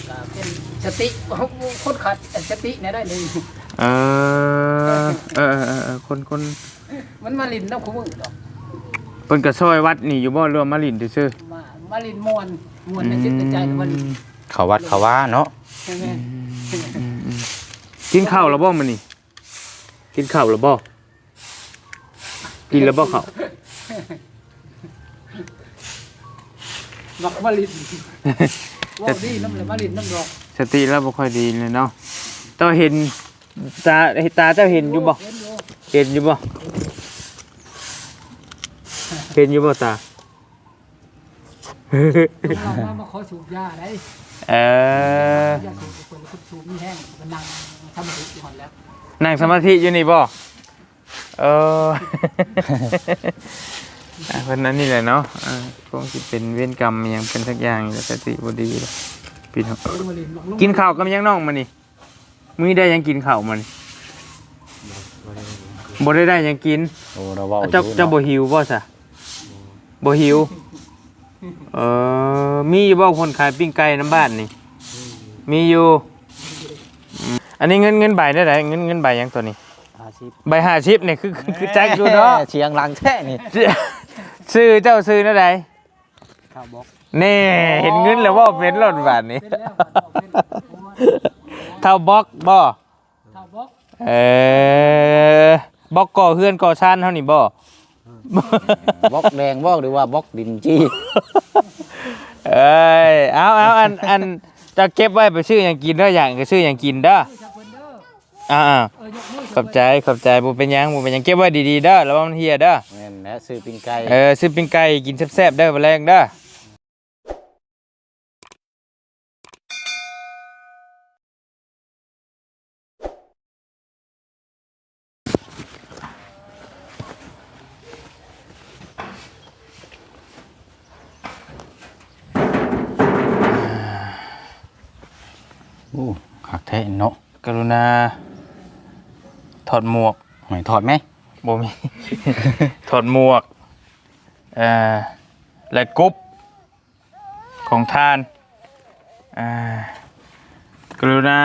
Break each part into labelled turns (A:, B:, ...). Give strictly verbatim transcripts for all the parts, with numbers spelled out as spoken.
A: เป็นสติคนขัดสติเนี่ยได้เลย
B: เออเออเออคนคน
A: มันมาลินน้ำคุ้มดอก
B: เพิ่นก็ซอยวัดนี่อยู่บ่รวมมาลินซื่อ
A: มามาลินมวนมวนในจิตใจมาลิน
C: เขาวัดเขาว่าเนาะ
B: กินข้าวแล้วบ่มื้อนี้กินข้าวแล้วบ่กินแล้วบ่ข้าว
A: บักมาลินว่าดีน้ำเลยมาลินน้ำดอก
B: สติแล้วบ่ค่อยดีเลยเนาะเจ้าเห็นตาตาเจ้าเห็นอยู่บ่เห็นอยู่บ่เห็นอยู่บ่ตา
A: เรามามาขอสูบยาได้
B: เออย
A: าสูบคนคนสูบมีแห้งมันนั่งทำสมาธิก่อนแล้ว
B: นั่งสมาธิอยู่นี่บ่เออเพิ่นนั้นนี่แหละเนาะอ่าคงสิเป็นเวรกรรมหยังเป็นสักอย่างแล้วสติบ่ดีเลยพี่น้องกินข้าวกับยังน้องมื้อนี้มื้อได้ยังกินข้าวมื้อนี้บ่ได้ได้ยังกิน
C: โอ้เราเว้า
B: เจ้าเจ้าบ่หิวบ่ซะบ่หิวเออมีอยู่บ่คนขายปิ้งไก่น้ำบ้านนี่มีอยู่อันนี้เงินเงินใบได้ไหนเงินเงินใบยังตัวนี้ใบห้าสิบเนี่ยคือคือแจ็คดูเนาะ
C: เชียงรังแท้นี่
B: ซื้อเจ้าซื้อนั่นใด
A: ข้าวบอก
B: นี่เห็นเงินแล้วว่าเป็นหล่นบาทนี้เท่าบล็อกบ่
A: ข้าวบอก
B: เออบล็อกก่อเฮือนก่อชานเท่านี้บ่
C: บล็อกแดงบ่หรือว่าบล็อกดินจี้
B: เอ้ยเอาเอาอันอันจะเก็บไว้ไปซื้ออย่างกินเด้ออย่างก็ซื้ออย่างกินเด้ออ่าขอบใจขอบใจบ่เป็นหยังบ่เป็นหยังเก็บไว้ดีๆเด้อระวังเหี่ยเด้อ
C: แม่นแหละซื้อปิ้งไก่
B: เออซื้อปิ้งไก่กินแซ่บๆเด้อบ่แรงเด้อ
C: โอ้คักแท้เนาะ
B: กรุณาถอดหมวก
C: หอยถอดไหม
B: บ่มี ถอดหมวกเอ่อและกุ๊บของทานอ่ากรุณา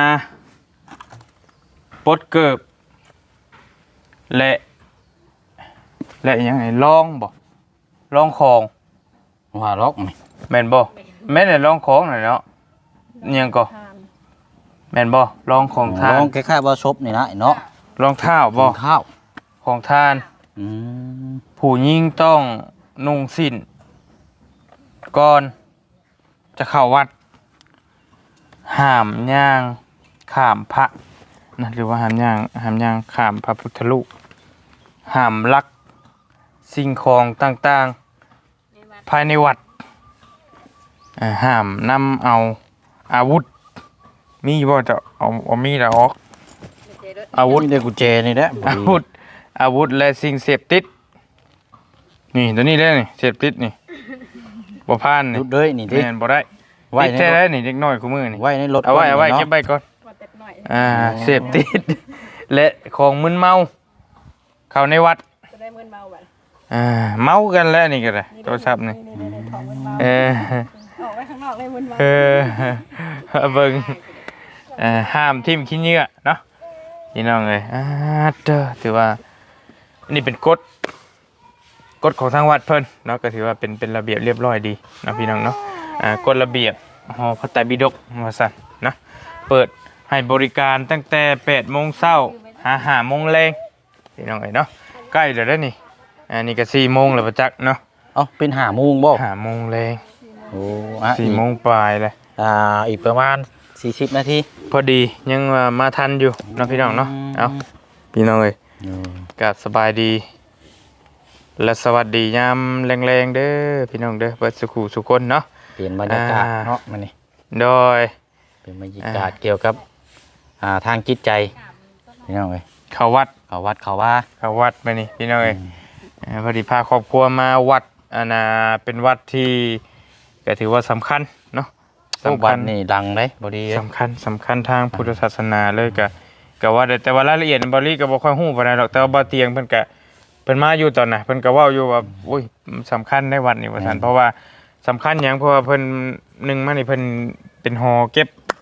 B: ปลดเกิบและและยังไงลองบ่ลองของ
C: ว่าล็อกไหม
B: แม่นบ่แม่นได้ลองของหน่อยเนาะยังก็แม่นบ่ลองของทาน
C: ลองคล้ายๆว่าซบนี่นะเนาะ
B: รองเท้าบ่
C: ข้าว
B: ของทาน
C: อืม
B: ผู้หญิงต้องนุ่งสิ้นก่อนจะเข้าวัดห้ามย่างข้ามพระนะหรือว่าห้ามย่างห้ามย่างข้ามพระพุทธรูปห้ามลักสิ่งของต่างๆภายในวัดห้ามนำเอาอาวุธมีบ่จะเอาเอามีดออกอาวุธ
C: ได้กุญแจนี่แหละ
B: อาวุธอาวุธและสิ่งเสพติดนี่ตัวนี้เลยนี่เสพติดนี่บ่ผ่านนี่
C: รุดเลยนี่
B: แม่นบ่ได้ไว้ในรถนี่เด็กน้อยคู่มือนี่
C: ไว้ในรถ
B: เอาไว้เอาไว้เก็บไว้ก่อนอ่าเสพติดและของมึนเมาเข้าในวัด
D: จะได้มึนเมาบัด
B: อ่าเมากันแล้วนี่ก็ได้โทรศัพท์นี่เออ
D: ออกไว้ข้างนอกเลยมึนเมา
B: เออเบิ่งเอ่อห้ามทิ่มขี้เหงื่อเนาะพี่น้องเอ้ยอ่าเด้อถือว่านี่เป็นกฎกฎของทางวัดเพิ่นเนาะก็ถือว่าเป็นเป็นระเบียบเรียบร้อยดีนะพี่น้องเนาะอ่ากฎระเบียบหอพระไตรปิฎกว่าซั่นนะเปิดให้บริการตั้งแต่ แปดโมงเช้าหา ห้าโมงแลงพี่น้องเอ้ยเนาะใกล้แล้วเด้อนี่อันนี้ก็ สี่โมงแล้วประจักษ์เนาะ
C: เอ้าเป็น ห้าโมงบ่
B: ห้าโมงแลง
C: โอ้อ่ะ
B: สี่โมงปลายเลย
C: อ่าอีกประมาณสี่สิบนาที
B: พอดียังมาทันอยู่เนาะพี่น้องเนาะเอาพี่น้องเอ้ยก็สบายดีและสวัสดียามแรงๆเด้อพี่น้องเด้อเปิดสุขุสุคนเนาะ
C: เปลี่ยนบรรยากาศเนาะมานี่
B: โดย
C: เป็นบรรยากาศเกี่ยวกับอ่าทางจิตใจพี่น้องเอ้ย
B: เข้าวัด
C: เข้าวัดเข้าว่า
B: เข้าวัดไปนี่พี่น้องเอ้ยพอดีพาครอบครัวมาวัดอันน่ะเป็นวัดที่ก็ถือว่าสำคัญเนาะ
C: สำคัญนี่ดังเลยบดี
B: สำคัญสำคัญทางพุทธศาสนาเลยก็ก็ว่าแต่ว่ารายละเอียดบริก็บ่ค่อยฮู้ปานใดหรอกแต่ว่าบ่เตียงเพิ่นก็เพิ่นมาอยู่ตอนน่ะเพิ่นก็เว้าอยู่ว่าโอ้ยสำคัญในวัดนี่ว่าซั่นเพราะว่าสำคัญหยังเพราะว่าเพิ่นหนึ่งมานี่เพิ่นเป็นหอเก็บ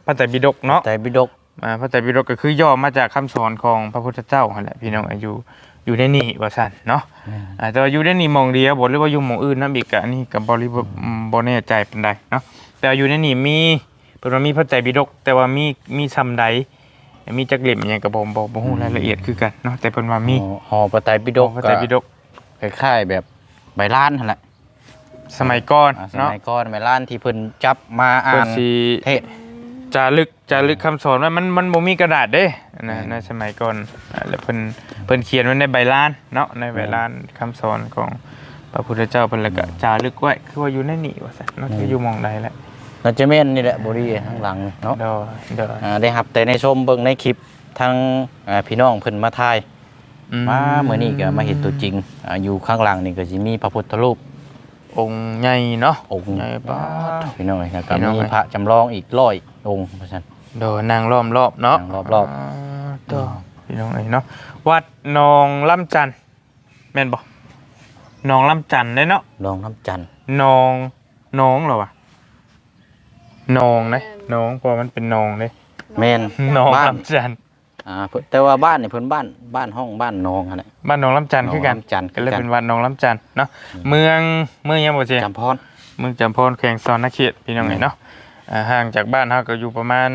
B: ระไตรปิฎกเนาะ
C: ไตรปิฎก
B: อ่าพระไตรปิฎกก็คือย่อมาจากคำสอนของพระพุทธเจ้าหั่นแหละพี่น้องอายุอยู่ในนี่ว่าซั่นเนาะอ่าแต่ว่าอยู่ในนี่หมองเดียวบ่หรือว่าอยู่หม่องอื่นนำอีกก็อันนี้ก็บ่ริบ่บ่แน่ใจปานใดเนาะแต่ว่าอยู่ในนี่มีเพิ่นว่ามีพระไตรปิฎกแต่ว่ามีมีซำใดมีจักเล่มอิหยังก็บ่บ่บ่ฮู้รายละเอียดคือกันเนาะแต่เพิ่นว่ามี
C: ห่อพระไตรปิฎก
B: พระไตรปิฎก
C: คล้ายๆแบบใบลานนั่นแหละ
B: สมัยก่อน
C: อ่าส
B: เนาะ
C: มัยก่อนใบลานที่เพิ่นจับมาอ่า
B: เพิ่น
C: น
B: สิ
C: เทศ
B: จารึกจารึกคำสอนว่ามันมันบ่มีกระดาษเด้นะ
C: อืม
B: ในสมัยก่อนอ่าแล้วเพิ่นเพิ่นเขียนไว้ในใบลานเนาะในใบลานคำสอนของพระพุทธเจ้าเพิ่นแล้วก็จารึกไว้คือว่าอยู่ในนี่ว่าซั่นเนาะคืออยู่หม่องใดแหละ
C: น่าจะแม่นนี่แหละบ่ดีข้างหลังเนาะ
B: เด้อเด้อ
C: อ่าได้รับแต่ในชมเบิ่งในคลิปทางอ่าพี่น้องเพิ่นมาถ่าย
B: อื
C: มาเมื่อนี้ก็มาเห็นตัวจริงอ่าอยู่ข้างหลังนี่ก็สิมีพระพุทธรูป
B: องค์ใหญ่เนาะ
C: องค์
B: ใหญ่ปาด
C: พี่น้องแล้วก็
B: พี่น้อง
C: มี
B: เอ้ย
C: พระจำลองอีกร้อยองค์เพราะฉะนั้น
B: เด้อนางล้อมรอบเนาะ
C: นางล้อมรอบ
B: าเด้อพี่น้องเอ้ยเนาะวัดหนองลำจันทน์แม่นบ่หนองลำจันทน์เด้เนาะ
C: ลองน้ำจันทร์
B: หนองหนองเหรอวะหนองนะหนองเพราะมันเป็นหนองเด้
C: แม่น
B: หนอง
C: บ้าน
B: ลำจันทน์
C: อ่าเพิ่นแต่ว่าบ้านนี่เพิ่นบ้านบ้านห้องบ้านนองหั่นแหละ
B: บ้านหนองลำจันทน์คือกัน
C: หนองลำจันทน์
B: ก็เลย
C: คือกัน
B: เป็นวัดหนองลำจันทน์เนาะเมืองเมืองยังบ่เจ
C: จำพร
B: เมืองจำพรแขวงสอนนเขตพี่น้องเอ้ยเนาะอ่าห่างจากบ้านเฮาก็อยู่ประมาณ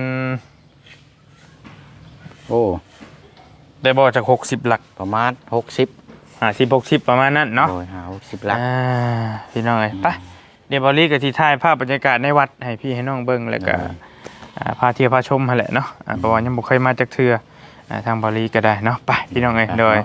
C: โอ้
B: ได้บ่จากหกสิบหลัก
C: ประมาณหกสิบ
B: ห้าสิบ หกสิบประมาณนั้นเนาะ
C: โดยหาหกสิบลัก
B: อ่าพี่น้องเอ้ยไปเดี๋ยวบอลลี่ก็สิถ่ายภาพบรรยากาศในวัดให้พี่ให้น้องเบิ่งแล้วก็อ่าพาเที่ยวพาชมหั่นแหละเนาะอ่าเพราะว่ายังบ่เคยมาจักเทื่ออ่าทางบอลลี่ก็ได้เนาะไปพี่น้องเอ้ยโดย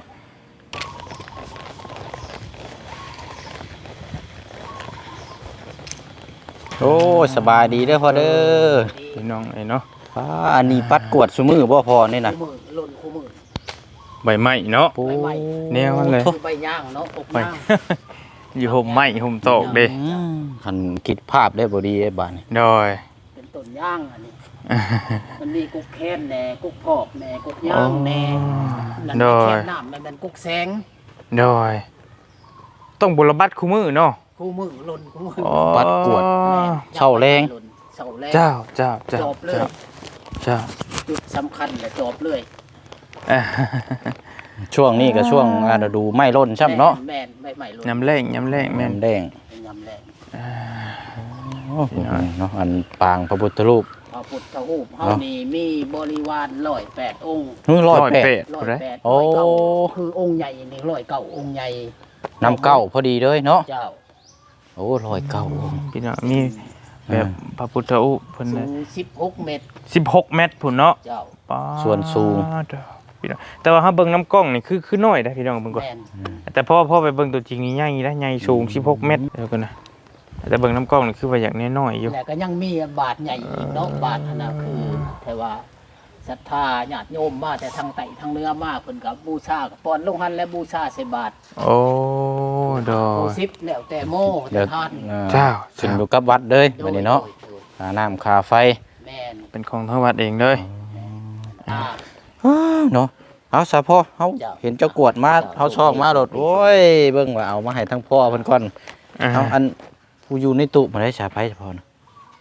C: โอ้ยสบายดีเด้อพ่อเด้อ
B: พี่น้องเอ้ยเนาะ
C: ป้าอันนี้ปัดกวดซุมือบ่พอนี่น่ะ
A: คู่มือหล่นคู่มือ
B: ใบไม้เนาะ
C: ปู
A: ใบไม้
B: แนวมันเลย
A: ใบย่างเนาะอก
B: ไป
A: ย่าง
B: อยู่ห่มไม้ห่มตอกเด้
C: อืมคันคิดภาพได้บ่ดีไอ้บ้านนี่
B: โดย
A: เป็นต้นย่างอันนี้มันมีกุ๊กแค้นแหน่กุ๊กกรอบแหน่กุ๊กย่างแหน่นั่น
B: โด
A: แค่
B: ย
A: น้ำมันเป็นกุ๊กแสง
B: โดยต้องบุรบัตคู่มือเนาะ
A: คู่มือหล่นคู่มือ
B: อ๋อ
C: ปัดกวด เช่าแรง
A: หล่นเช่าแรง
B: เจ้าเจ้าเจ้า
A: จบเลย
B: เจ้าเจ้า
A: จุดสำคัญแหละจบเลย
B: อ่า
C: ช่วงนี้ก็ช่วงอ่าฤดูไม้ร่นช่ำเนาะ
A: แม่นใบใหม่หล่น
B: ยำแรงยำแรงแม่น
C: แม่นแดง
A: เป็นยำแรง
C: โอ้โหเนาะอันปางพระพุทธรูป
A: พระพุทธรูปเฮา
C: เนาะ
A: นี่มีบริวารร้อยแปดองค์
C: นู้นร้อยแปด
A: ร้อย
B: ผู้ใด
A: แปด
C: โอ้
A: ร้อยเก้าคือองค์ใหญ่นี่ร้อยเก้าองค์ใหญ่
C: นำเก้าพอดีเลยเนาะ
A: เจ้า
C: โอ้ร้อยเก้าองค์
B: พี่น้องมีแบบพระพุทธรูปเพิ่น
A: สู
B: น่ะ
A: งสิบหกเมตร
B: สิบหกเมตรพุ่นเนาะ
A: เจ้า
B: ป๊าด
C: ส่วนสูง
B: เด้อพี่น้องแต่ว่าเฮาเบิ่งน้ำกล้องนี่คือคือน้อยนะพี่น้องเบิ่งก่อน
A: แม่น
B: แต่พอพอไปเบิ่งตัวจริงนี่ใหญ่นะใหญ่สูงสิบหกเมตรเดี๋ยวกันนะแต่เบิ่งน้ำกล้องนี่คือว่าอย่างน้อยๆอยู่
A: แล้วก็ยังมีบาทใหญ่อีกเนาะบาทอันน่ะคือแต่ว่าศรัทธาญาติโยมมาแต่ทางไต่ทางเหนือมาเพิ่นก็บูชาก็ป้อนลงหันและบูชาใส่บาท
B: โอ้ดอ
A: โอ้
B: ย
A: สิบแล้วแต่โม
C: เดี๋
A: แต่
C: ยว
A: ทาน
C: อ่า
B: เจ้า
C: ขึ้นอยู่กับวัดเลยวันนี้เนาะ
A: โดยโดย
C: ค่าน้ำค่าไฟ
A: แม่น
B: เป็นของทางวัดเองเลย
A: อ่า
C: อ้าวเนาะเอาซะพ่อเฮา
A: เจ้า
C: เห็นเจ้ากวดมาเฮาชอกมาโดดโอ้ยเบิ่งว่าเอามาให้ทั้งพ่อเพิ่นก่อน
B: อ่า
C: เอาอันผู้อยู่ในตู้มาได้ชาไผเฉพาะนะ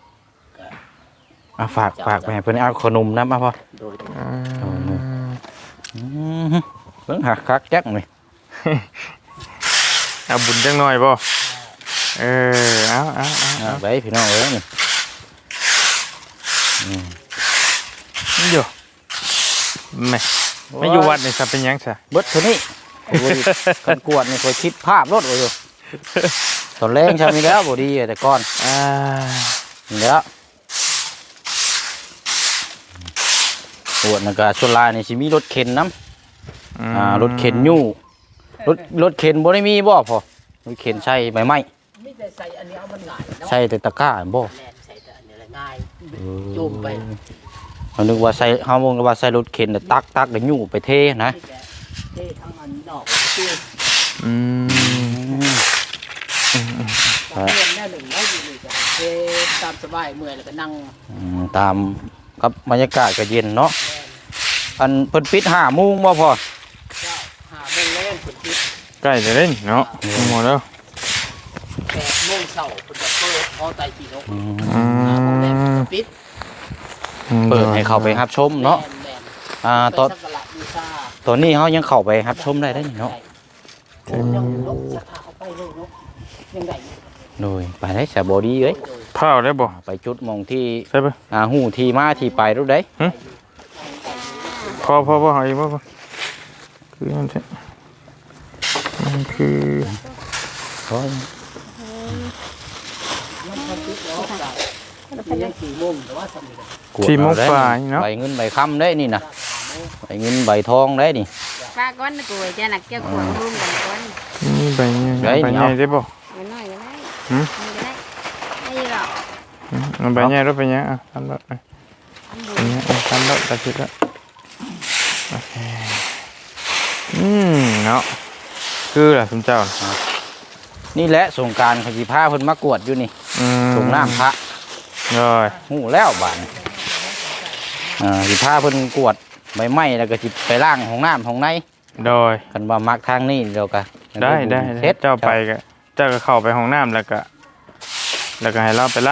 C: เอาฝากฝากไปให้เพิ่นเอาขนมนำมาพ่อ
A: โดย
B: อืม
C: อืมเบิ่งหักคักจักนี่
B: เอาบุญจังหน่อยบ่เออเอาเอาเอา
C: เอาไปพี่น้องเอ้ยนี่
B: นี่อยู่แม่ไม่อยู่วัดนี่ซะเป็นหยังซะ
C: เบิดเท่านี้โอ้ยกันกวดนี่ค่อยคิดภาพรถโอ้ยตอนแรงใช่มีแล้วบ่ดีแต่ก่อน
B: อ่า
C: นี่แล้วโอ้นั่นก็ส่วนหลายนี่สิมีรถเข็นนำ อ่ารถเข็นยู่รถรถเข็นบ่ได้มีบ่พอรถเข็นใช้ใบไม้
A: มีแต่ใส่อันนี้เอามันง่ายเนาะ
C: ใช้แต่ตะกร้าบ่
A: แม่นใส่แต่อันนี้แหละง่ายจุ่มไป
C: เรานึกว่าใส่เฮามองว่าใส่รถเข็นแต่ตักตักแล้วยู่ไปเทนะ
A: นี่แหละเท่ทั้งอันนอกที่
B: อืม
A: บางเรื่องแน่หนึ่งแล้วอยู่นี่ก็เท่ตามสบายเมื่อยแล้วก็นั่ง
C: อืมตามกับบรรยากาศก็เย็นเนาะอันเพิ่นปิดห้าโมงบ่พอ
A: เจ้าหาโมงแรงสุดที่
B: ใกล้จะเล่นเนาะหมดแล้ว
A: แปดโมงเช้าคุณจะเปิดพอไตรปีนก
C: อืม
B: อื
A: หาโมงแรง
B: ม
A: ปิด
C: เปิดให้เข้าไปรับชมเนาะ
A: แม่น
C: อ่า
A: ๆ
C: ตอน
A: ไปสักการะบูชา
C: ตอนนี้เฮายังเข้าไปรับชมได้ได้นี่เนาะ
A: โอ้ยังลบศรัทธาเข้าไปเลยเนาะยังได้อยู่
C: โดยไปได้สะบ่ดีเอ้ย
A: โดย
B: เผาได้บ่
C: ไปจุดหมองที่
B: ใช่ปะ
C: อ่าฮู้ที่มาที่ไปรู้ได้
B: พอพอพอหอยบ่บ่คือมันใช่มันคือ
C: โอ้ย
A: ยังทำติดแล้วก็ยังสี่โมงแต่ว่าสำเร็จ
C: กวด
B: ที่มุก
C: เอได้
B: ฝ่ายเนาะ
C: ใบเงินใบค้ำได้นี่นะใบเงินใบทองได้นี่
E: ป้าก้อนกูจะหนักเจ้าขวางร่วมกันก้อน
B: นี่ใบใหญ่
C: เฮ้ย
B: ใบ
C: นี่
B: ใหญ่
C: เอา
B: ได้บ่
E: มันน้อยก็ได้
B: หืม
E: มันก็ได้ไม่หรอก
B: อืมเอาใบใหญ่รถไปยังอ่ะทำรถไป
E: อันบุ
B: อันนี้อ่ะทำรถตัดสิแล้วโอเคอืมเนาะคือล่ะคุณเจ้า
C: นี่แหละสงกรารเขาสิพาเพิ่นมากวดอยู่นี่
B: อืม
C: สงน้ำพระ
B: เลย
C: ฮู้แล้วบาดนี้อ่าสิพาเพิ่นกวดใบไม้แล้วก็สิไปล้างห้องน้ำห้องใน
B: โดย
C: คันว่ามักทางนี้เดี๋ยวก็
B: ได้ได้
C: เฮ็ด
B: เจ้าไปก็เจ้าก็เข้าไปห้องน้ำแล้วก็ แล้วก็ให้เราไปล้าง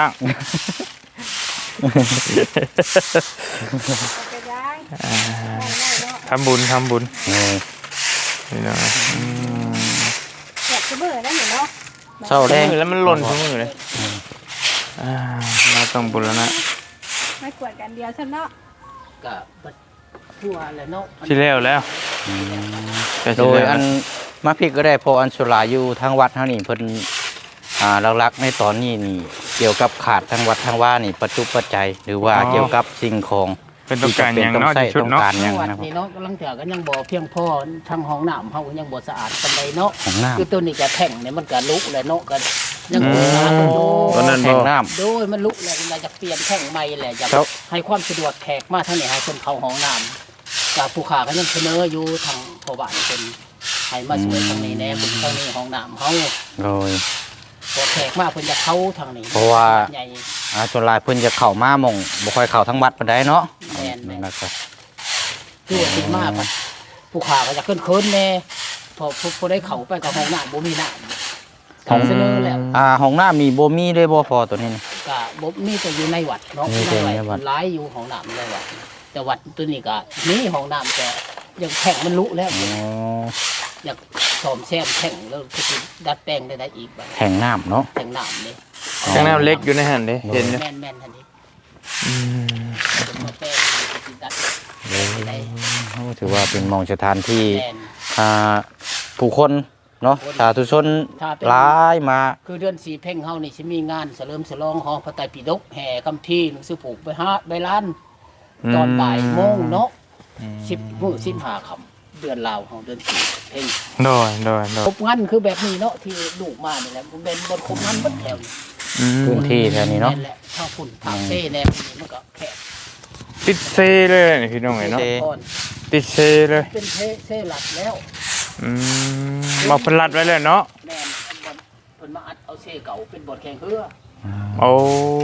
D: ไปย้าย
B: ทำบุญทำบุญ
C: เออ
B: นี่เนาะอืม
D: อยากจะเบื่อได้เห็นเนาะ
C: เศร้าแดง
B: มือแล้วมันหล่นทุกมือเลยอ่าเราต้องบุญแล้วนะ
D: ไม่กวดกันเดียวฉันเนาะ
A: ก็ทั่วแล้วเนาะ
B: ที่แล้วแล้วแต่
C: โด
B: ที่
C: ย
B: แล้ว
C: อันมาพริกก็ได้พออันสุราอยู่ทางวัดเฮานี่เพิ่นอ่าหลักๆในตอนนี้นี่เกี่ยวกับขาดทางวัดทางว่านี่ปัจจุปัจจัยหรือว่าเกี่ยวกับสิ่งของ
B: เป็นต้องการอย่างเนาะ
C: ที่
B: ที่ชุด
C: ต้อง
B: เนาะ
C: การอย่าง
A: วัด
C: นะครับ
A: นี่เนาะกำลังเถื่อก็ยังบ่เพียงพอทางห้องน้ำเฮาก็ยังบ่สะอาดปานใดเนาะ
C: ของน้ำ
A: คือตัวนี้ก็แท่งเนี่ยมันก็ลุกแล้วเนาะก็ยังบ่สะอาดอยู่
B: ตอนนั้น
C: แห่
B: บ่
C: งน้
A: โดยมันลุกแล้วเราจะเปลี่ยนแท่งใหม่แหละจะ
C: ครับ
A: ให้ความสะดวกแขกมาทางนี้ให้คนเข้าห้องน้ำจากผู้ขาก็ยังเสนออยู่ทางพ่อบ้านเป็นให้มาช่วยทางนี้แน่เป็นทางนี้ห้องน้ำเฮา
C: ำโดย
A: พอแขกมาเพิ่นจะเข้าทางนี้
C: เพราะว่า
A: ใหญ่
C: อ่าส่วนหลายเพิ่นจะเข้ามาหม่องบ่ค่อยเข้าทั้งวัดปานใดเนาะ
A: แม่นแม่น
C: นะครับ
A: คือว่าคิดมากมันผู้ขาก็จะขึ้นเคินแน่พอผู้ผู้ได้เข้าไปกับห้องน้ำบ่มีน้ำเขาเสนอแล้ว
C: อ่าห้องน้ำมีบ่มีเลยบ่พอตัวนี้นี่
A: ก็บ่มีแต่อยู่ในวัดเนาะ
C: มี
A: ใน
C: แต่ในวั
A: วั
C: ด
A: ดหลายอยู่ห้องน้ำในวัดแต่วัดตัวนี้ก็มีห้องน้ำแต่ยังแข็งมันลุแล้ว
C: อ๋อ
A: อยากสอมแซมแข็งแล้วก็สิดัดแปลงได้ได้อีกบัด
C: แห่งน้ำเนาะ
A: แข็งน้ำนี่
B: ข้างหน้าเล็กอยู่ในหันเด้เห็นอยู่
A: แม่นแม่นๆทันที
B: อืม
A: เป็นมาแปลงก็สิดัดแปลงได้
C: โอ้ถือว่าเป็นหมองสถานที่
A: แม่น
C: อ่าผู้คนเนาะสาธุชน
A: ถ้าเป็น
C: หลายมา
A: คือเดือนสี่เพ่งเฮานี่สิมีงานเสริมฉลองหอพระไตรปิฎกแห่คำที่หนังสือผูกไปหาใบล้าน ตอนบ่ายโมงเนาะสิบมื้อสิบห้าค่ำเดือนลาวเฮาเดือนสี่เพ่ง
B: โดยโดยโด
A: คร
B: ย
A: บงานคือแบบนี้เนาะที่ลูกมานี่แหละมันเป็นบนครบงานเบัดแถวนี่
B: อืม
C: พื้นที่แถวนี้เนาะ
A: แหละถ้าฝุ่นทางเซ่แนวนี้มันก็แคบ
B: ติดเซเลยนี่พี่น้องเอ้ยเนาะ
C: เซ
A: ก่อน
B: ติดเซเลย
A: เป็นเซ่เซ่หลักแล้ว
B: อืมมาเพิ่นรัดไว้เลยเนาะ
A: แม่นอันบนเพิ่นมาอัดเอาเซ่เก่าเป็นบทแข่งเรือ
B: โอ้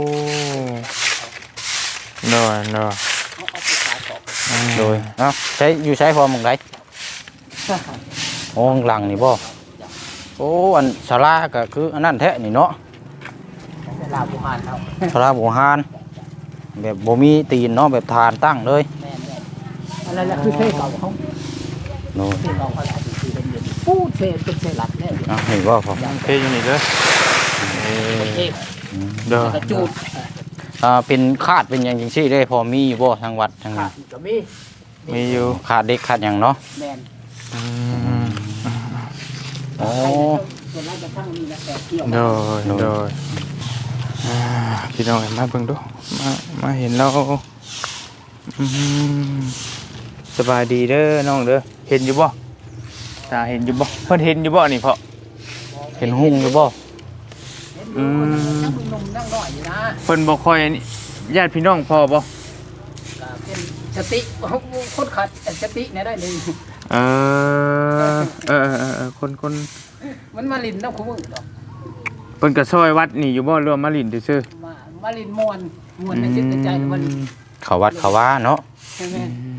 B: โดยโดย
A: เอาเอาไปขายต่อ
C: โดยเอ้าใช้อยู่ใช้พอหมองใดโอ้ข้างหลังนี่บ่โอ้อันศาลาก็คืออันนั้นแท้นี่เนาะ
A: แต่ลาวบุหานเอา
C: ศาลาโบราณแบบบ่มีตีนเนาะแบบฐานตั้งเลย
A: แม่นแม่นอันนั้นแหละคือเซ่เก่าเขา
C: โน่น
A: เซ่เก่าเขาอาจจะคือเป็นเดือนปูดเซ่เป็นเซ่หลักแล้ว
C: อ่ะนี่บ่พอ
B: เทอยู่นี่เลยเออ
A: เซ่
B: โดย
A: กระจูด
C: อ่าเป็นคาดเป็นหยังจังซี่ได้พอมีอยู่บ่ทางวัดทาง
A: ขา
C: นี้
A: ดก็มี
B: มีอยู่
C: ขาดเด็กขาดหยังเนาะ
A: แม่น
B: อืม
C: โอ้
A: ส่วนแรกจะทั้งนี้นะแต่เกี่ยว
B: โดยโดยอ่าพี่น้องเอ้ยมาเบิ่งดูมามาเห็นเราอืมสบายดีเด้อน้องเด้อเห็นอยู่บ่ตาเห็นอยู่บ่เพิ่นเห็นอยู่บ่นี่พ่อ
C: เห็นหุ่งอยู่บ่
A: อืมนั่งหนุ่มๆนั่งน้อยอยู่นะ
B: เพิ่นบ่ค่อยนี่ญาติพี่น้องพ่อบ่
A: ก็เป็นสติคนขัดสติเนี่ยได้หนึ่ง
B: เออเออเออเออคนคน
A: มันมาลินน้ำคุ้มอดอก
B: เพิ่นก็ซอยวัดนี่อยู่บ่รวมมาลินซื่อ
A: มามาลินมวนมวนในจิตในใจมาลิน
C: เขาวัดเขาว่าเนาะ
A: ใช่ไหม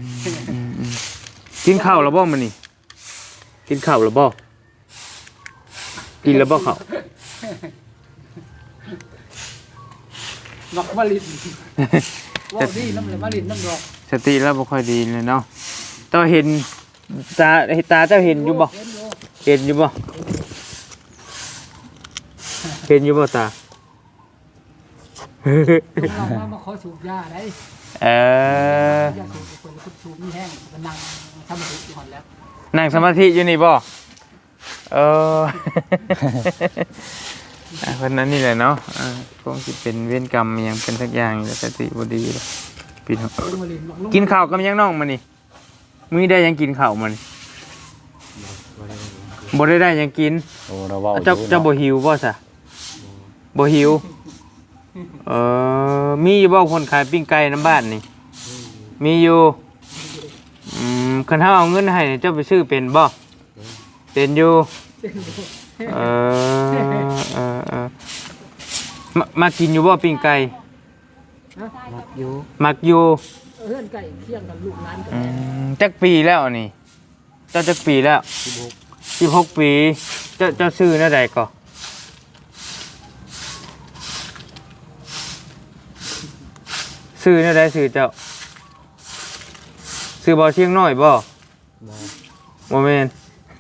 B: กินข้าวแล้วบ่มื้อนี้กินข้าวแล้วบ่กินแล้วบ่ข้าว
A: มักมาลินว่าดีน้ำเลยมาลินน้ำดอก
B: สติแล้วบ่ค่อยดีเลยเนาะเจ้าเห็นตาตาเจ้าเห็นอยู่บ่
A: เห็นอยู่
B: เห็นอยู่บ่เห็นอยู่บ่ตา
A: เรามามาขอสูบยาได้
B: เออ
A: ยาสูบคนคนสูบมีแห้งก็นั่งทำมาถึงก่อนแล้ว
B: นั่งสมาธิอยู่นี่บ่เออ อ่ะเพิ่นนั้นนี่แหละเนาะอ่าคงสิเป็นเวรกรรมอิหยังเป็นสักอย่างแล้วสติบ่ดีเลยพี่น้อง
A: ลงมาลินลงลง
B: กินข้าวกับหยังน้องมื้อนี้มื้อนี้ได้หยังกินข้าวมื้อนี้บ่ได้ได้หยังกิน
C: โอ้เราเว้าอยู่
B: เจ้าเจ้าบ่หิวบ่ซะบ่หิวเออมีอยู่บ่คนขายปิ้งไก่น้ำบ้านนี่มีอยู่อืมคันเฮาเอาเงินให้เจ้าไปซื้อเป็นบ่เป็นอยู่เออเออเออมามากินอยู่บ่ปิ้งไก่
A: อยู่
B: มักอยู่
A: เพื่อนไก่เที่ยงกันลูกร้านกัน
B: อืมจักปีแล้วนี่เจ้าจักปีแล้วสิบหกปีเจ้าเจ้าซื้อแนวใดก่อซื้อแนวใดซื้อเจ้าซื้อบ่เชียงน้อยบ่บ่แม่น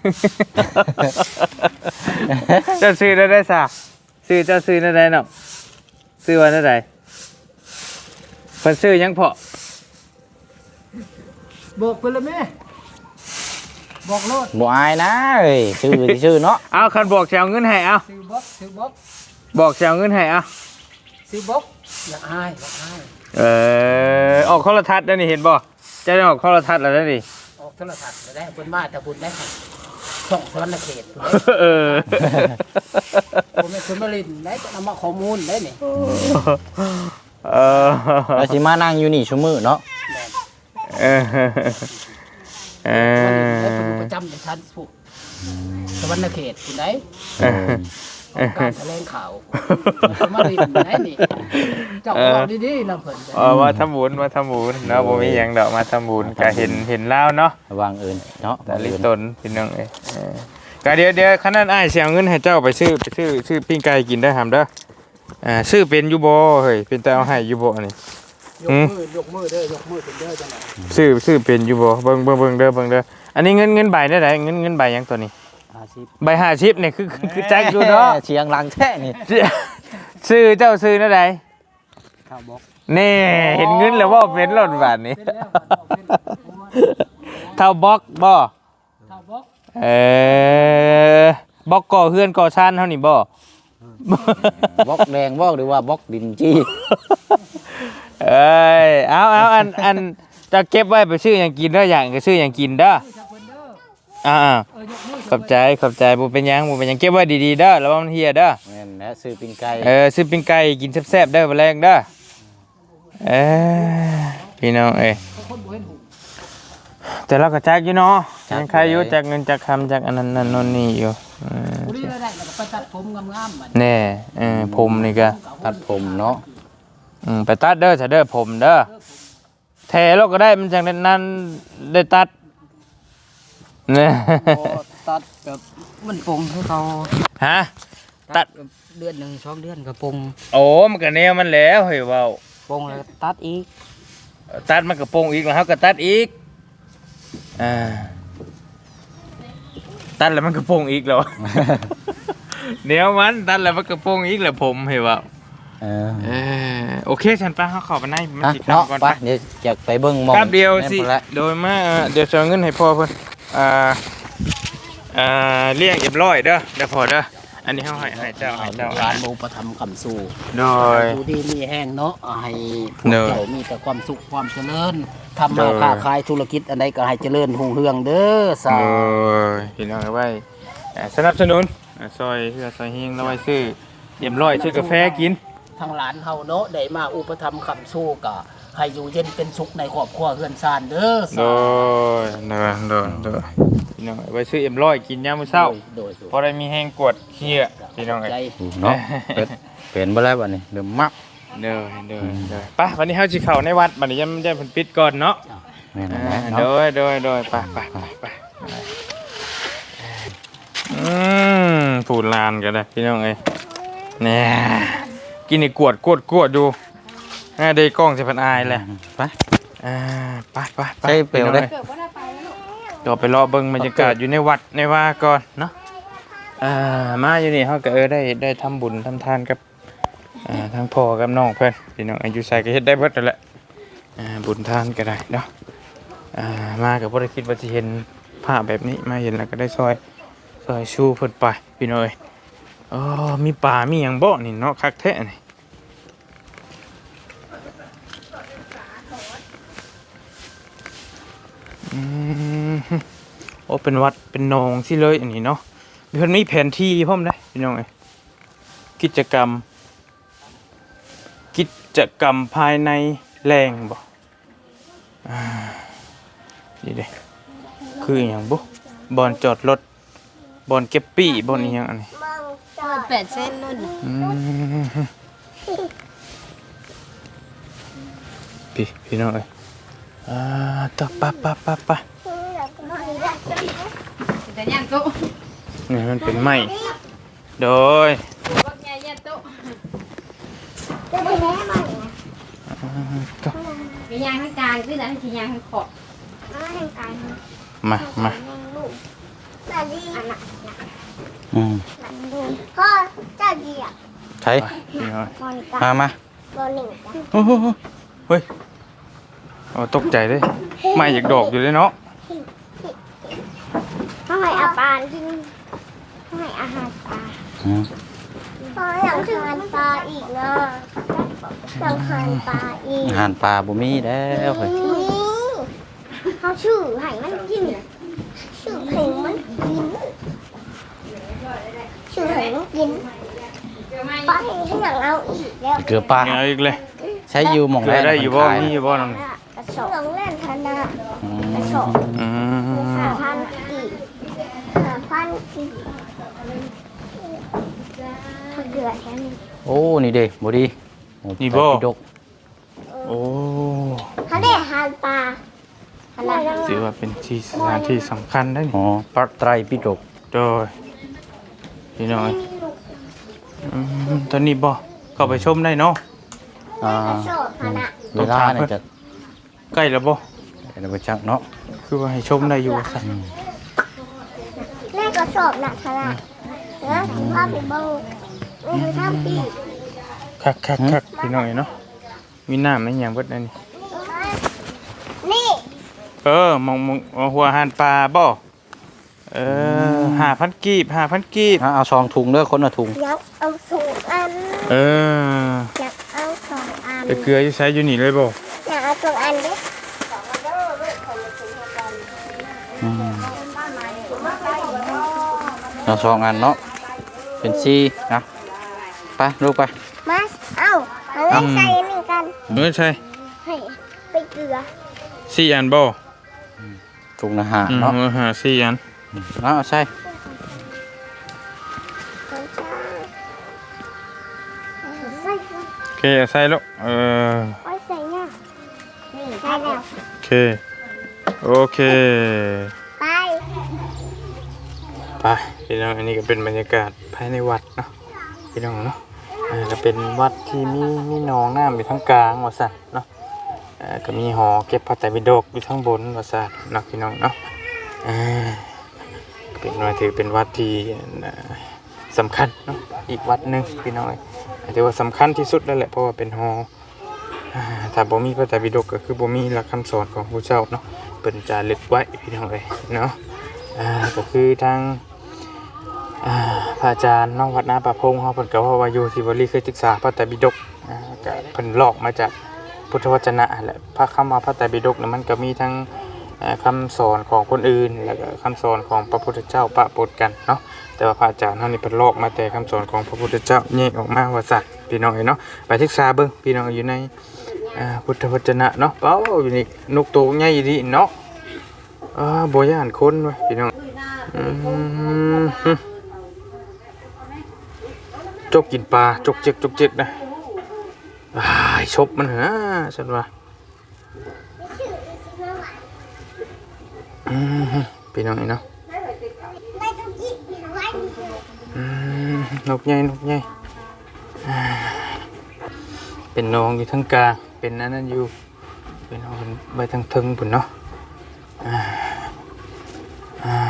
B: เจ้าซื้อแนวใดซะซื้อเจ้าซื้อแนวใดเนาะซื้อว่าแนวใดเพิ่นซื้อหยังเพาะ
A: บอกคนละแม่บอกโลด
C: บ่อายนะเอ้ยชื่อที่ชื่อเนาะ
B: เอาคันบอกจะเอาเงินให้เอา
A: ซื้อบ็อกซื้อบ็อก
B: บอกจะเอาเงินให้เอา
A: ซื้อบ็อกอยากอายอยากอาย
B: เออออกโทรทัศน์แล้วนี่เห็นบ่จะได้ออกโทรทัศน์แล้วเด้อนี่
A: ออกโทรศัพท์จะได้เพิ่นมาแต่บุญได้ช่องสวรรค์เขต
B: เออ
A: ผมเป็นคนมาลินได้ก็นำมาข้อมูลได้นี่
B: เออ
C: แล้วสิมานั่งอยู่นี่ชั่วมื้อเนาะ
B: เออเอ
A: ได้เป็น
B: อ
A: ประจำในชั้นสุขสวรรค์เขตคุณได้
B: เออ
A: ออกการแถลงข่าวมาลินได้นี่เจ้าบอกดีๆนะเพิ่น
B: เออมาทำบุญมาทำบุญเนาะบ่มีหยังดอกมาทำบุญก็เห็นเห็นแล้วเนาะ
C: ระวังเอิ้นเนาะ
B: แต่ลิตนพี่น้องเอ้ยเออก็เดี๋ยวเดี๋ยวคันนั้นอ้ายสิเอาเงินให้เจ้าไปซื้อไปซื้อซื้อปิ้งไก่กินได้อหำเด้ออ่าซื้อเป็นอยู่บ่เฮ้ยเป็นแต่เอาให้อยู่บ่นี่
A: ยกมือยกมือเด้อยกมือเป็นเด้อจังได๋
B: ซื้อซื้อเป็นอยู่บ่เบิ่งเบิ่งเบิ่งเด้อเบิ่งเด้ออันนี้เงินเงินใบได้ไดเงินเงินใบหยังตัวนี้
C: ห้าสิบ
B: ใบห้าสิบนี่คือคือคือแจ็คอยู่เนาะ
C: เชียงหลังแท้นี่
B: ซื้อเจ้าซื้อนั่นใด
A: ข้าวบอก
B: นี่เห็นเงินแล้วว่าเป็นรถบาทนี้
A: เป็นแล้วบอกเป็น
B: เท่าบล็อกบ่
A: ข้าวบอก
B: เออบล็อกก่อเฮือนก่อชานเท่านี้บ่
C: บล็อกแดงบล็อกหรือว่าบล็อกดินจี้
B: เอ้ยเอาเอาอันอันจะเก็บไว้ไปซื้อหยังกินเด้ออย่างก็ซื้อหยังกินเด้อ
A: ชาวเพิ่นเด้อ
B: อ่า
A: เออยกมือ
B: ขอบใจขอบใจบ่เป็นหยังบ่เป็นหยังเก็บไว้ดีๆเด้อระวังมันเหียเด้อ
C: แม่นและซื้อปิ้งไก่
B: เออซื้อปิ้งไก่กินแซ่บๆเด้อมื้อแรงเด้อเอ้ยพี่น้องเอ้ย
A: คนบ่เห็นหู
B: แต่เราก็จักอยู่เนาะยังใครอยู่จักเงินจักคำจักอันนั้นนั่นโน่นนี่อยู่อืม
A: ผู้นี้ได้ได้แล้วก็ไปตัดผมงามๆบัด
B: แน่เออผมนี่ก็
C: ตัดผมเนาะ
B: อืมไปตัดเด้อถ้าเด้อผมเด้อแท้เราก็ได้มันจังนั้นได้ตัดเนี่ย
A: ตัดแบบมันปงให้เขา
B: ฮะตัด
A: เดือนหนึ่งสองเดือนก็ปง
B: โอ้มันก็แนวมันแล้วเฮ้ยเว้า
A: ปงแล้วตัดอีก
B: ตัดมันก็โป่งอีกแล้วเฮาก็ตัดอีกอ่าตัดแล้วมันก็โป่งอีกแล้ว เดี๋ยวมันตัดแล้วมันก็โป่งอีกแล้วผมเฮ้ยเว้า
C: เออ
B: เออโอเคฉันไปเขาเข้าไปในมัน
C: อ่ะ
B: สิ
C: เนาะ
B: ทำก่อน
C: ไป
B: ไป
C: เดี๋ยวอยากไปเบิ่งหมอง
B: ครับเดียวสิ
C: แม่นพุ่นละ
B: โดยมาเอ่อเดี๋ยวจะเอาเงินให้พ่อเพิ่นอ่าอ่าเลี้ยงเอ็มร้อยเด้อเดี๋ยวพอเด้ออันนี้เฮาให้ให้เจ้าให้เจ้า
A: ร้านโมประทำคำสู้
B: โดย
A: ดูดีมีแห้งเนาะให้พว
B: เน
A: ก
B: อะ
A: เจ้ามีแต่ความสุขความเจริญทำ
B: เน
A: มา
B: อะ
A: ค้าขายธุรกิจอันใดก็ให้เจริญรุ่งเรืองเด้อสา
B: โดยพี่น้องเอาไว้อ่าสนับสนุนอ่าซอยเพื่อซอยเฮงแล้วไว้ซื้อเอ็มร้อยซื้อกาแฟกิน
A: ทางหลานเฮาเนาะได้มาอุปถัมภ์คำสู้ก็ให้อยู่เย็นเป็นสุขในครอบครัวเฮือนซานเด้อ
B: โด
A: สาย
B: โดยโดยโดยพี่น้องเอาไว้ซื้อเอ็มร้อยกินยามมื้อเช้า
A: โดยโดย
B: พอได้มีแห้งกวดเหี้ยพี่น้องเอ้ย
A: ใจ
C: เนาะเป็ดเป็นบ่แล้วบัดนี้เริ่มมัก
B: เด้อเด้อเด้อไปวันนี้เฮาสิเข้าในวัดบัดนี้ยังได้เพิ่นปิดก่อนเนาะ
C: แม่น
B: อ่า
C: แม่น
B: โด
C: เนาะ
B: ยโดยโดยไปไปไปไปอืมผูดลานกันเลยพี่น้องเอ้ยเนี่ยกินนี่กวดกวดกวดอยู่อ่าเดยวกล้องจะเป็นอายแหละ
C: ไป
B: อ่าไปไปไป
C: ใช่เปลวเด้
D: เกิดว่าได้ไปแล้วลูก
B: ก็ไปรอเบิ่งบรรยากาศอยู่ในวัดในว่าก่อนเนาะอ่ามาอยู่นี่เฮาก็เออได้ได้ทำบุญทำทานกับอ่าทั้งพ่อกับน้องเพิ่นพี่น้องอายุใส่ก็เฮ็ดได้เบิดนั่นแหละอ่าบุญทานก็ได้เนาะอ่ามาก็บ่ได้คิดว่าสิเห็นภาพแบบนี้มาเห็นแล้วก็ได้ซอยซอยชูเพิ่นไปพี่น้อยอ๋อมีป่ามีหยังบ่นี่เนาะคักแท้นี่อืมโอ้เป็นวัดเป็นหนองสิเลยอันนี้เนาะมีเพิ่นมีแผนที่พร้อมเด้พี่น้องเอ้ยกิจกรรม กิจกรรมภายในแรงบ่อ่านี่เด้คืออหย่างบุบอนจอดรถบอนเก็บปี้บอนอีหยังอันนี้
E: แปดเส้นนู่น
B: อืมพี่พี่น้องเอ้ยอ่าต่อปะปะปะปะ
E: แต่ย่างโต๊ะ
B: นี่มันเป็นไม้โดย
E: พวกใหญ่ย่างโต๊ะ
B: อ่าต่อ
E: มีย่างข้างกลางคือแต่ที่ย่างข้างขอบ
B: มามา
C: อืม
D: พ่อเจ้าดีอ่ะ
C: ใช่
B: พี่น้อง
D: มอนิกา
C: มามา
D: บอลหนึ่ง
B: โอ้โหเฮ้ยเอาตกใจเลยไม้อยากดอกอยู่เลยเนาะ
D: พ่อให้อาปานกินพ่อให้อาหารปลา
C: อืม
D: พ่ออยากทานปลาอีกนะอยากทานปลาอีก
C: อาหารปลาบ่มีแล้วเฮ้ย
D: นี่เขาชื่อให้มันกินชื่อให้มันกินชื่อให้มันกินปลาให้อยากเอาอีกแล้ว
C: เกลือปลา
B: เอาอีกเลย
C: ใช้อยู่หม่อง
B: เกลื
C: แร
B: อก ได้อยู่บ่
C: มันขาย
B: มีอยู่บ่นั่น
D: กระสอบลองเล่นธนา
C: อื
D: กระ
C: ม
D: สอบ
B: อืม
D: ห้าพันกี่ห้าพันกี่ถ้าเกลือแค่นี้
C: โอ้นี่เด้บ่ดีโอ้
B: นี่บ่
C: ไปดก
B: โอ้
D: เขาได้หานปลาขนาด
B: ถือว่าเป็นที่สถานที่สำคัญได้นี่
C: อ๋อปลาไตรปิฎก
B: โดยพี่น้อยอืมตอนนี้บ่เข้าไปชมได้เนาะ
C: อ่าก
D: ระสอบขนาด
C: เวลาเนี่ยจะ
B: ใกล้แล้วบ่
C: จะไปจักเนาะ
B: คือว่าให้ชมได้อยู่ว่าซั่น
C: อืม
D: แม่กระสอบหนักขนาดแล้วภาพเป็นโบนี่คือท่าปี
B: คักคักคักพี่น้อยเนาะมีน้ำในหยังเบิดนั่นนี่
D: นี่
B: เออมองมองเอาหัวอาหารปลาบ่เออห้าพันกีบห้าพันกีบ
C: อ่ะเอาซองถุงเด้อคนละถุง
D: อยากเอาสองอัน
B: เออ
D: อยากเอาสองอัน
B: ไปเกลืออยู่ใช้อยู่นี่เลยบ่
D: อยากเอาสองอันดิ
C: อืมเอาซองอันเนาะเป็นซี่นะไปลูกไป
D: มาเอาเอาเล่นใส่นี่กัน
B: เออใช่
D: ให้ไปเกลือ
B: สี่อันบ่
C: ถุงอาหาร
B: อืม
C: เนาะ
B: เออหาสี่อัน
C: เอาใช่
D: ของชาใส่
B: โอเคเอาใส่แล้วเออ
D: ไว้ใส่เนี่ยนี่ใส่แล้ว
B: โอเคโอเค
D: ไป
B: ไปพี่น้องอันนี้ก็เป็นบรรยากาศภายในวัดเนาะพี่น้องเนาะอ่าก็เป็นวัดที่มีมีหนองน้ำอยู่ทั้งกลางว่าซั่นเนาะอ่าก็มีหอเก็บพระไตรปิฎกอยู่ทั้งบนว่าซั่นเนาะพี่น้องเนาะอ่าเป็นว่าถือเป็นวัดที่อ่าสำคัญเนาะอีกวัดหนึงพี่น้องเอ้ยถือว่าสำคัญที่สุดแล้วแหละเพราะว่าเป็นหออ่าถ้าบ่มีพระไตรปิฎกก็คือบ่มีหลักคำสอนของพระเจ้าเนาะเพิ่นจารึกไว้พี่น้องเอ้ยเนาะอ่าก็คือทาง อ่าพระอาจารย์น้องวัดนาป่าพงเขาเพิ่นก็ว่าว่าอยู่ที่วลีเคยศึกษาพระไตรปิฎกอ่าก็เพิ่นลอกมาจากพุทธวจนะแหละพระคำว่าพระไตรปิฎกเนี่ยมันก็มีทั้งอ่าคำสอนของคนอื่นแล้วก็คำสอนของพระพุทธเจ้าปะปนกันเนาะแต่ว่าพระอาจารย์เฮานี่เพิ่นลอกมาแต่คำสอนของพระพุทธเจ้าแยกออกมาว่าซั่นพี่น้องเอ้ยเนาะไปศึกษาเบิ่งพี่น้องอยู่ในอ่าพุทธวจนะเนาะเป้าอยู่นี่นกตัวใหญ่ดีเนาะอ่าบ่ย่านคนเว้ยพี่น้องอืม จกกินปลาจกเจ็กจกเจ็กนะอ้ายชบมันเหรอฉันว่าอืมพี่น้องนี่เนาะ
D: ไม่ต้องยิบไว้
B: อืมนกใหญ่นกใหญ่อ่าเป็นน้องอยู่ทั้งกลางเป็นนั่นนั่นอยู่เป็นเอาเป็นใบทั้งทึงพุ่นเนาะอ่าอ่า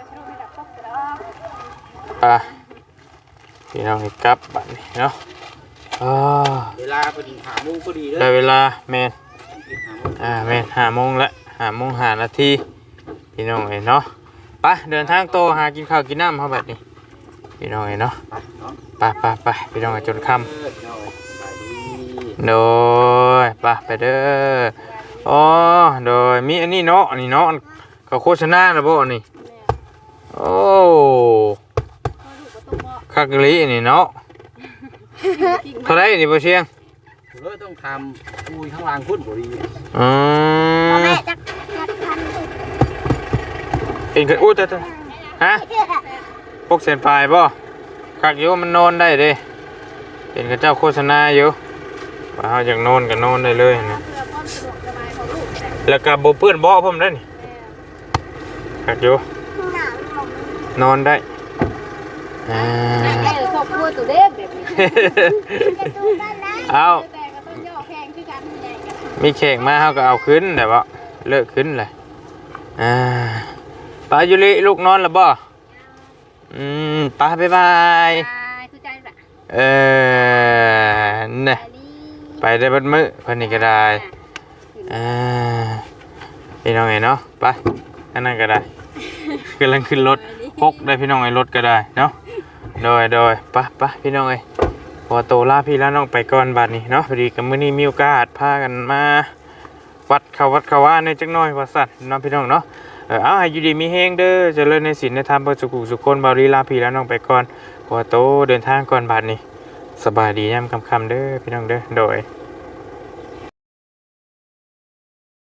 B: ไปพี่น้องนี่กลับบัดนี้เนาะอ่า
C: เวลาเป็นหาโมงพอดีเลย
B: ได้เวลาแมนอ่าแมนห้าโมงละห้าโมงห้านาทีพี่น้องเห็นเนาะไปเดินทางโตหากินข้าวกินน้ำเขาแบบนี้พี่น้องเห็นเนาะไปไปไปพี่น้องจนค่ำโดยไปไปเด้ออ๋อโดยมีอันนี้เนาะอันนี้เนาะเขาโฆษณานะบ่อันนี้โอ้คักลีอันนี้เนาะเท่าไรนี่บ่เชียง
C: เลยต้องทำคุยข้างล่างพุ่นบ่ดี
B: อืม
D: แม่จะจะทำ
B: เป็นกันอู้แต่ฮะพวกเส้นปลายบ่คักอยู่มันนอนได้เด้เป็นกับเจ้าโฆษณาอยู่ว่าเฮาอยากนอนก็นอนได้เลยนะแล้วก็บ่เปื้อนเบาะพร้อมได้นี่คักอยู่
D: หนาวลม
B: นอนได้อ่า
E: ได้ครอบครัวตัวเด็กแบบนี้
D: จะดูกันนะ
B: เอา
E: แต่ก็ต้องย่อแพงคือกันใหญ่กัน
B: มีแขกมาเฮาก็เอาขึ้นแต่ว่าเลิกขึ้นเลยอ่าปายุริลูกนอนแล้วบ่อืมไปบ๊ายบาย
E: ตายคือใจแบบ
B: เออเนี่ยไปได้เบัดมื้อเพิ่นนี่ก็ได้อ่าพี่น้องเอ้ยเนาะไปอันนั้นก็ได้กำลังขึ้นรถพกได้พี่น้องไอ้รถก็ได้เนาะโดยโดยไปไปพี่น้องเอ้ยพอโตลาพี่ลาน้องไปก่อนบัดนี้เนาะพอดีกับมื้อนี้มีโอกาสพากันมาวัดเขาวัดเขาว่าในจักหน่อยว่าซั่นเนาะพี่น้องเนาะเออเอาให้อยู่ดีมีแฮงเด้อเจริญในศีลในธรรมเพื่อสุขสุขคนบารีลาพี่ลาน้องไปก่อนพอโตเดินทางก่อนบัดนี้สบายดียามค่ำๆเด้อพี่น้องเด้อโดย